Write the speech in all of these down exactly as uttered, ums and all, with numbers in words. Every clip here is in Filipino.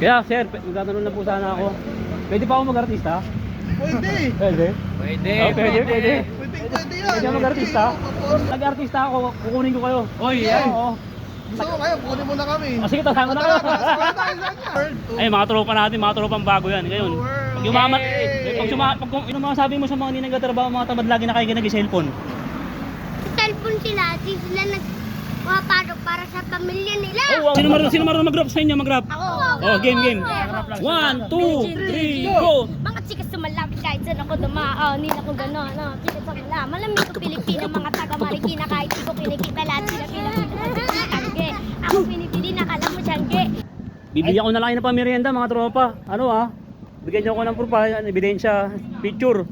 Kaya sir, magtatanong lang po sana ako. Pwede pa ako mag-artista? Pwede. Pwede? Pwede. Oh, pwede, pwede. Pwede, pwede yan. Pwede ako mag-artista? Nag-artista ako, kukunin ko kayo. Oy, yan. Oo. Gusto ko kayo, kunin mo na kami. Oh, sige, tasama na Tara, kayo. tara, tayo sa kanya. Ay, mga tropa natin, mga tropang bago yan. Ngayon, pag yumaman, eh, pag suma, pag kung yung mga sabi mo sa mga hindi nagtatrabaho, mga tamad lagi nakikinig ng cellphone. Cellphone sila, di sila nagpapasok para sa pamilya nila. Oh, sino marunong, sino marunong mag-rap sa inyo, mag-rap? Ako. Oh, game, game. One, two, three, go! Mga chika sumalapit kahit saan ako dumaan. Hindi na ako gano'n. No? Chika sumala. Malamig ko Pilipina, mga taga Marikina. Kahit di ko kinikita lahat sila pinapitangge. Ako pinipili, nakala mo siyangge. Bibigyan ko na lang kayo ng pamerienda, mga tropa. Ano ah? Bigyan niyo ako ng proof, ah, ebidensya, picture.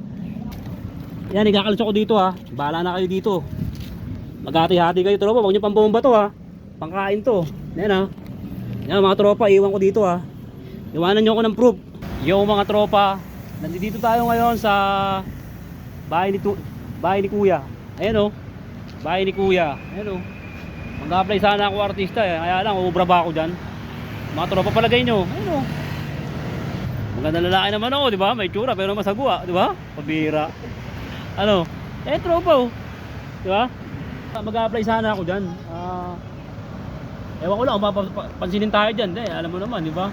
Yan, ikakalis ako dito ha. Bahala na kayo dito. Maghati-hati kayo tropa, huwag niyo pambomba to ha. Pangkain to. Yan ha. Yan mga tropa, iwan ko dito ha. Iwanan niyo ako ng proof. Yo mga tropa, nandito tayo ngayon sa bahay ni, tu bahay ni Kuya. Ayan o. Bahay ni Kuya. Ayan o. Mag-apply sana ako artista eh. Kaya lang, ubra ba ako dyan? Mga tropa palagay nyo. Ayan o. Magandang lalaki naman ako, di ba? May tsura pero masagwa, di ba? Pabira. Ano? Eh, tropa oh. Di ba? Mag-apply sana ako dyan. Ah... Ewan ko lang, mapapansinin tayo dyan. Eh, alam mo naman, di ba?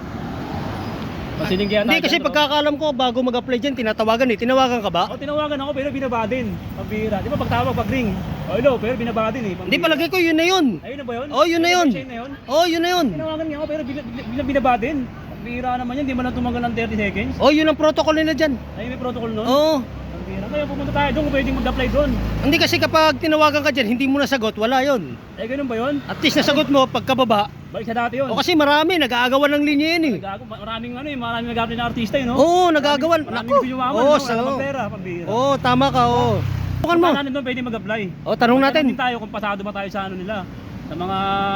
Pansinin kaya tayo. Hindi kasi dyan, pagkakalam ko bago mag-apply dyan, tinatawagan eh. Tinawagan ka ba? O, tinawagan ako pero binaba din. Pabira. Di ba pagtawag, pag ring? O, hello, pero binaba din eh. Hindi, palagay ko yun na yun. Ayun na ba yun? Oh, yun na yun. Ayun na yun? Oh, yun na yun. Tinawagan niya ako pero bin- bin- binaba din. Pabira naman yan, di ba na tumagal ng thirty seconds? Oh, yun ang protocol nila dyan. Ay, may protocol nun? Oo. Pabira. Kaya pumunta tayo doon kung pwedeng mag-apply doon. Hindi kasi kapag tinawagan ka dyan, hindi mo nasagot, wala yun. Eh, ganun ba yun? At least nasagot mo pagkababa. Balik sa dati yun. O kasi marami, nag-aagawan ng linya yun eh. Gago, maraming ano eh, maraming nag-apply na artista eh, no? Oo, nag-aagawan. Maraming Naku. gusto yumaman, Oo, no? sa- Wala pang pera, pambira. Oo, tama ka, oo. Bukan mo. Kung doon pwede mag-apply. O, tanong natin. Din tayo kung pasado ba tayo sa ano nila. Sa mga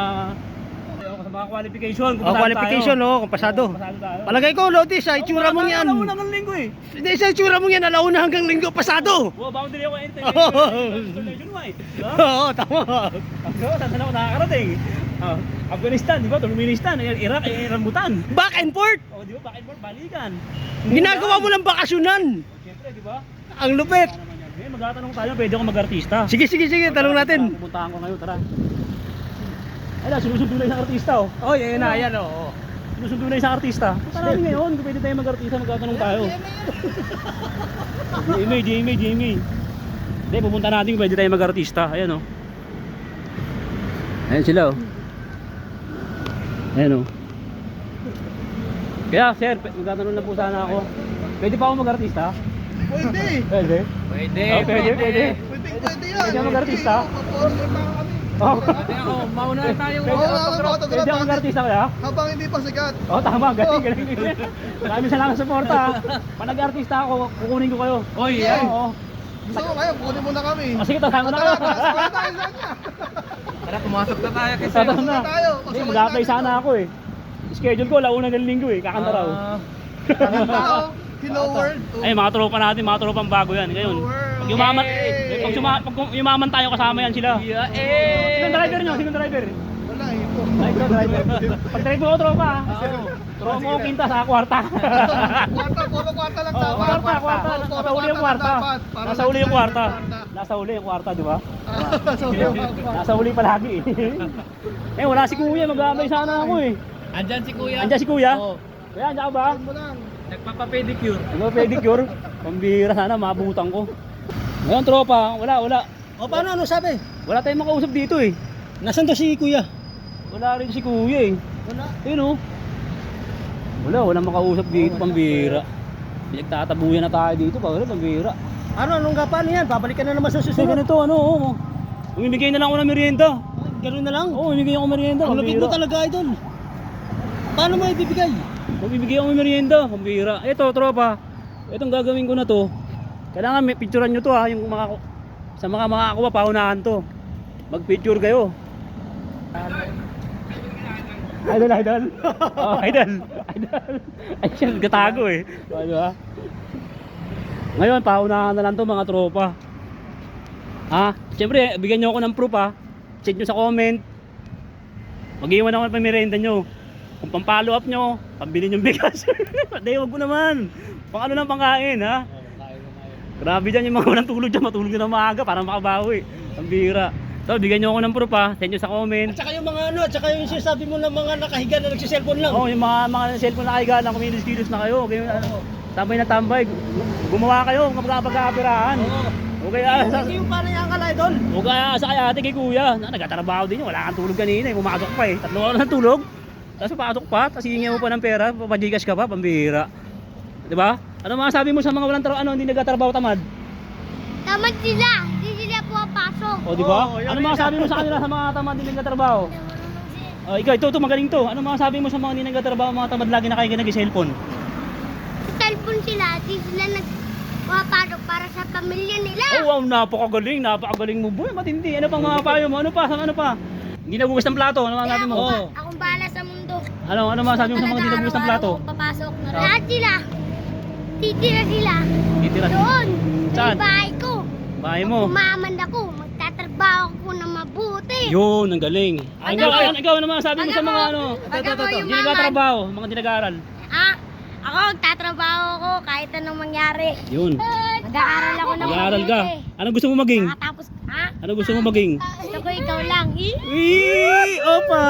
sa mga qualification, kung O, pasado qualification, tayo. o, kung pasado. Oo, pasado tayo. Palagay ko, Lodi, sa itsura mo yan. Alauna ng linggo eh. Hindi, sa itsura mo yan, alauna hanggang linggo, pasado. Wow, boundary ako anytime. Oo. Installation mo eh. Diba? Oo, tama. Ako, saan saan ako nakakarating? Ah, Afghanistan, di ba? Turkmenistan, Iraq, eh, Rambutan. Back and forth. O, di ba? Back and forth, balikan. Ginagawa mo lang bakasyonan. O, siyempre, di ba? Ang lupit. Ano naman yan? Eh, magtatanong tayo, pwede ako mag-artista. Sige, sige, sige, tanong natin. Pupuntahan ko ngayon, tara. Ayun, sinusundo na isang artista oh. Oh, yan na, yan, oo. Sinusundo na isang artista. Punta namin ngayon, kung pwede tayo mag-artista, magtatanong tayo. Jamie, Jamie, Jamie. Hindi, pupunta natin kung pwede tayo mag-artista. Ayan oh. Ayan sila oh. Ayan oh. Kaya sir, magtatanong lang po sana ako. Pwede pa ako mag-artista? Pwede. Pwede? Pwede. Oh, pwede, pwede. Pwede, pwede yan. Pwede ako mag-artista? Mag-order pa kami. Oh. Ako, mauna tayo. Pwede Oo, ako photograph. Pwede ako mag-artista kaya? Habang hindi pa sigat. Oh, tama, galing, galing, galing. Maraming salamat sa suporta. Pag nag-artista ako, kukunin ko kayo. Oy, yan. Oo. Gusto ko kayo, kunin mo na kami. Oh, sige, tasama na Tara, kayo. tara, tayo sa kanya. Tara, pumasok na tayo kasi. Tasama na. tayo. Hindi, mag-apply sana ako eh. Schedule ko, launa ng linggo eh, kakanta raw. Tao, Hello World. Ay, mga tropa natin, mga tropang bago yan. Ngayon, pag yumaman, eh, pag, suma, pag yumaman tayo kasama yan sila. Yeah, eh. Sinong driver nyo? Sinong driver? Wala eh. po. Ay, ito, driver. Pag drive mo ako, tropa ah. Tropa mo ako kinta sa kwarta. Kwarta, puro kwarta lang Oo, dapat. kwarta, kwarta. Puro Nasa uli yung lang kwarta. dapat. Para Nasa lang uli yung sa kwarta. kwarta. Nasa uli yung kwarta, di ba? Nasa uli yung kwarta. Nasa uli palagi eh. Eh, wala si kuya, mag-aabay sana ako eh. Andyan si kuya. Andiyan si kuya? Oo. Kuya, andiyan ka ba? Mo lang. Nagpapapedicure. Ano pedicure? Pambira sana, mabutan ko. Ngayon tropa, wala, wala. O, paano, ano sabi? Wala tayong makausap dito eh. Nasaan to si kuya? Wala rin si kuya eh. Wala. Ayun oh. Wala, walang makausap dito, pambira. Pinagtatabuyan na tayo dito, pambira, pambira. Ano, anong gapan yan? Babalikan na naman sa Kasi susunod. ganito, ano, oh. Umibigay na lang ako ng merienda. Ganun na lang. Oo, oh, umibigay ako ng merienda, Ang lapit mo pambira. talaga, idol. Paano mo ibibigay? Magbibigay ako ng merienda, pambira. Ito, tropa. Itong gagawin ko na to. Kailangan may picturean nyo to ha, yung mga sa mga makakuha paunahan to. Mag-picture kayo. Idol, idol. Oh, idol. Idol. Ay, siya gatago eh. Ano ha? Ngayon, paunahan na lang to mga tropa. Ha? Siyempre, bigyan nyo ako ng proof ha. Check nyo sa comment. Mag-iwan ako ng pamerienda nyo. Kung pang-follow up nyo, pambili yung bigas. Hindi, wag mo naman. Pang ano lang pangkain, ha? Grabe dyan yung mga walang tulog dyan, matulog na ng maaga para makabawi. Ang bira. So, bigyan nyo ako ng proof, ha? Send nyo sa comment. At saka yung mga ano, at saka yung sinasabi mo ng mga nakahiga na nagsiselfone lang. Oo, oh, yung mga, mga cellphone na kaiga lang, kumilos-kilos na kayo. Okay, ano, tambay na tambay. Gumawa kayo, kapag-kapirahan. Oo. Okay, ah, sa, Hindi yung parang yung kalay doon. o kaya sa kay ate, kay kuya, na, nagtatrabaho din yun, wala kang tulog kanina, eh, pumasok pa eh, tatlo oras ng tulog, tapos papasok pa, tapos hihingi mo pa ng pera, papagigas ka pa, pambihira. Diba? Ano mga sabi mo sa mga walang trabaho, ano, hindi nagtatrabaho tamad? Tamad sila. Hindi sila pumapasok. O, di ba? Oo, yun Ano yun mga na. sabi mo sa kanila sa mga tamad hindi nagtatrabaho? O, ikaw, ito, ito, magaling to. Ano mga sabi mo sa mga hindi nagtatrabaho, mga tamad lagi nakakikinig nag-cellphone? Sa cellphone sila, di sila nagpapasok para sa pamilya nila. Oh, wow, napakagaling, napakagaling mo, boy, matindi. Ano pang mga payo mo? Ano pa? Ano pa? Hindi nagugas ng plato, ano mga Kaya sabi mo? ako, Oo. ba, akong bahala sa mundo. Ano, ano mga sabi mo sa mga hindi nagugas ng plato? Araw-araw papasok na Oh. lahat sila. Titira sila. Titira. Doon. Sa Saan? bahay ko. Bahay mo. Umaman ako. Magtatrabaho ko na mabuti. Yun, ang galing. Ay, ikaw, Ano? ayan, ikaw, ano mga sabi mo Pag sa mga ako- ano? pag ako Hindi yumaman. nagtatrabaho, mga hindi nag-aaral. Ah, ako magtatrabaho ko kahit anong mangyari. Yun. Mag-aaral ako ng Nag-aaral ka. mabuti. Anong gusto mo maging? Makatapos, ha? Ano gusto mo maging? Gusto ko ikaw lang. Eh? Wee! Opa!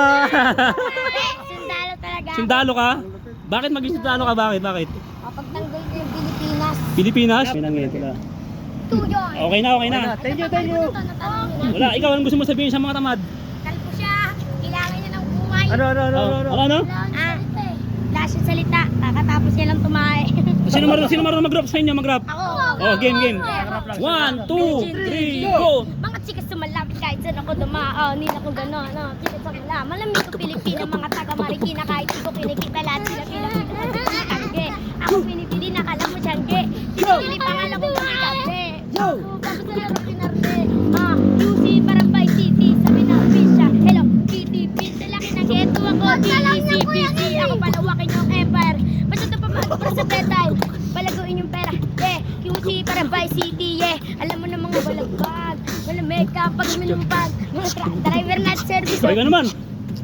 Eh, sundalo talaga. ako. Sundalo ka? Bakit maging sundalo ka? Bakit? Bakit? Kapag tanggol ko yung Pilipinas. Pilipinas? Pinangit sila. Tuyo. Okay na, okay na. Thank you, thank you. Wala, ikaw, anong gusto mo sabihin sa mga tamad? Kalpo siya. Kailangan niya ng buhay. Ano, ano, ano, Oh, ano? ano, ano? Ah, lahat yung salita. Kakatapos niya lang tumae. Sino marunong, sino marunong mag-rap sa inyo? Mag-rap? Ako. Oh, game, game. One, two, three, go! Mga chikas sumalapit kahit saan ako dumaan. Hindi ako gano'n. No? Chikas sa mula. Malamig ko Pilipina. Mga taga Marikina kahit di ko kinikita lahat sila pinakitangge. Ako pinipili na kala mo siyangge. Pinipili pangalan ko kumikante. Yo! Bago sa laro pinarte. Ah, U C parang by City. Sabi na siya. Hello, T T P. Sa laki ng ghetto ako. D E C P C. Ako palawakin yung empire. Basta ito pa para sa bedtime. Palaguin yung pera. Yeah, Q C parang by City. Yeah, alam mo na mga balagbag. Wala makeup pag minumpag. Mga truck driver na service. Sorry ka naman.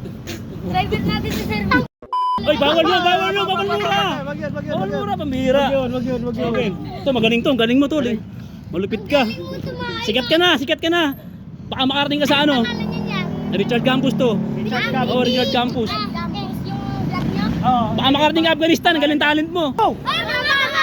Driver natin sa service. Ay, bawal yun, bawal yun, bawal mura. Wag yun, wag yun, Bawal wag yun. mura, pambihira. Wag yun, wag yun, wag yun. Okay. Ito, magaling to, galing mo to. eh. Malupit ka. Sikat ka na, sikat ka na. Baka makarating ka sa ano? Pangalan niya yan. Richard Campos to. Richard Ah, Oh, Richard Campos. Ah, Campos yung vlog niyo? Oo. Baka makarating ka Afghanistan, ang galing talent mo. Oh! Ay, trabaho!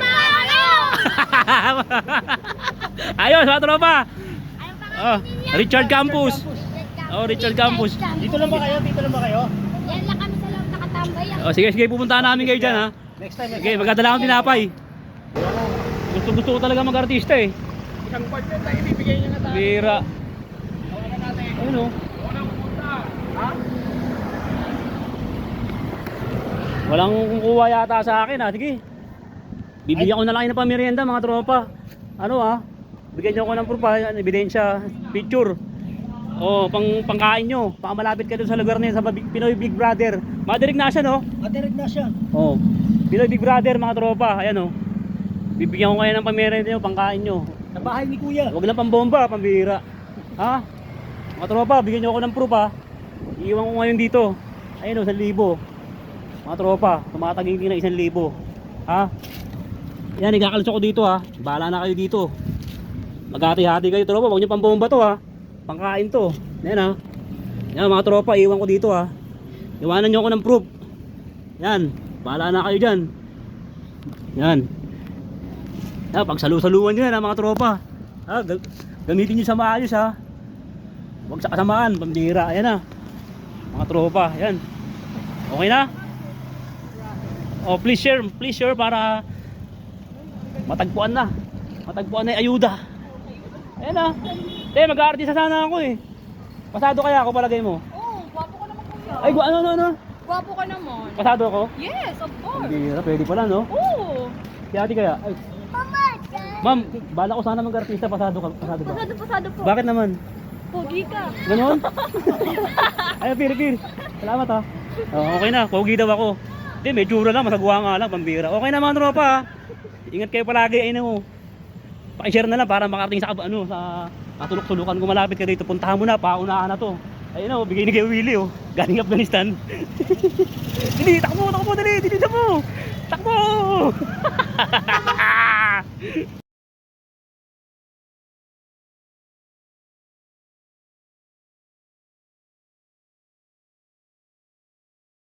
Trabaho! Ayos, mga tropa. Anong pangalan Oh, niya? Richard Campos. Oh, Richard Campos. Dito lang ba kayo? Dito lang ba kayo? Yan lang kami sa loob nakatambay. ah. Oh, sige, sige, pupuntahan namin kayo dyan, ha. Next time, next Sige, time. magdadala akong tinapay. Gusto gusto ko talaga mag-artista eh. Isang part na tayo, ibibigay niya na tayo. Bira. Tawagan natin. Ayun oh. Unang pumunta. Ha? Walang kukuha yata sa akin, ha. Sige. Bibigyan ko na lang kayo ng pamerienda, mga tropa. Ano, ha? Bigyan niyo ako ng proof, ha? Ebidensya, picture. Oh, pang pangkain nyo. Baka malapit ka doon sa lugar niya sa Big- Pinoy Big Brother. Madirig na siya, no? Matirig na siya. Oh. Pinoy Big Brother, mga tropa. Ayan, oh. Bibigyan ko kayo ng pamerienda nyo, pangkain nyo. Sa bahay ni Kuya. Huwag lang pambomba, pambihira. Ha? Mga tropa, bigyan nyo ako ng proof, ha? Iiwan ko ngayon dito. Ayun, oh, isang libo. Mga tropa, tumataging na isang libo. Ha? Yan, ikakalis ako dito, ha? Bahala na kayo dito. Maghati-hati kayo, tropa. Huwag nyo pambomba to, ha? Pangkain to. Yan, ha? Yan, mga tropa, iwan ko dito, ha? Iwanan nyo ako ng proof. Yan, bahala na kayo dyan. Yan. Yan, pagsalu-saluan nyo yan, ha, mga tropa. Ha? Ga- Gamitin nyo sa maayos, ha? Huwag sa kasamaan, pambihira. Ayan, ha? Mga tropa, yan. Okay na? Oh, please share, please share para matagpuan na. Matagpuan na yung ayuda. Ayan na. Eh, mag-aartista sana ako eh. Pasado kaya ako palagay mo? Oo, gwapo ka naman kuya. Ay, gu- ano, ano, ano? Gwapo ka naman. Pasado ako? Yes, of course. Hindi, pwede pala, no? Oo. Si ate kaya? Ay, ma'am, bala ko sana mag-artista, pasado ka, pasado ba? Pasado, pasado po. Bakit naman? Pogi ka. Ganon? Ay, piri, piri. Salamat ha. Oh, okay na, pogi daw ako. Hindi, may tsura lang, masagwa nga lang, pambira. Okay na mga tropa ha. Ingat kayo palagi, ay na mo. Pakishare na lang para makarating sa ano sa katulok-tulukan kung malapit ka dito. Puntahan mo na, paunahan na to. Ayun o, bigay ni kay Willie oh. Galing Afghanistan. Dili, takbo, takbo, dali, dili na mo. Takbo!